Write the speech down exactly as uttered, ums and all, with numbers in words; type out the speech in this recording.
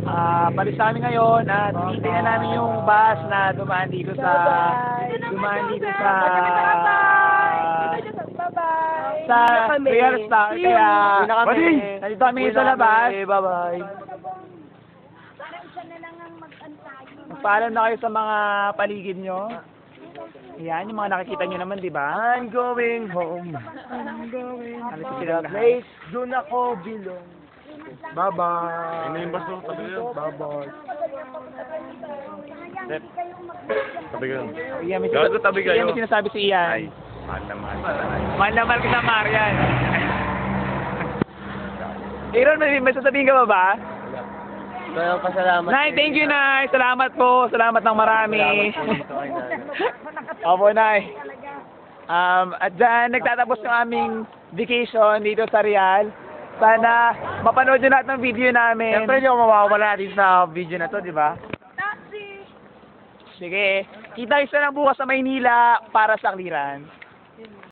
Ah, palis kami ngayon at titingnan namin yung bus na dumaan dito sa dumaan dito sa Bye-bye. sa Real Star. Kaya Uwi na kami. nandito kami ngayon sa labas. Bye-bye. Magpaalam na kayo sa mga paligid nyo. Ayan, yung mga nakikita nyo naman, di ba? I'm going home. I'm going. Ano To sila the lahat? place, doon ako belong. Bye-bye. Ano yung baso? Tabi ko yun. Bye-bye. Step. Tabi ko yun. Iyan, may, Gago, tabi kayo. Iyan, may sinasabi si Ian. Ay, mahal na mahal. Mahal na mahal kita, Marian. Aaron, may, may sasabihin ka ba ba? Kaya pasalamat. Nay, thank you, Nay. Salamat po. Salamat ng marami. Opo, Nay. Um, at dyan, nagtatapos ng aming vacation dito sa Real. Sana mapanood nyo lahat ng video namin. Siyempre, hindi ako mawawala din sa video na to, di ba? Sige. Kita isa lang bukas sa Maynila para sa clearance.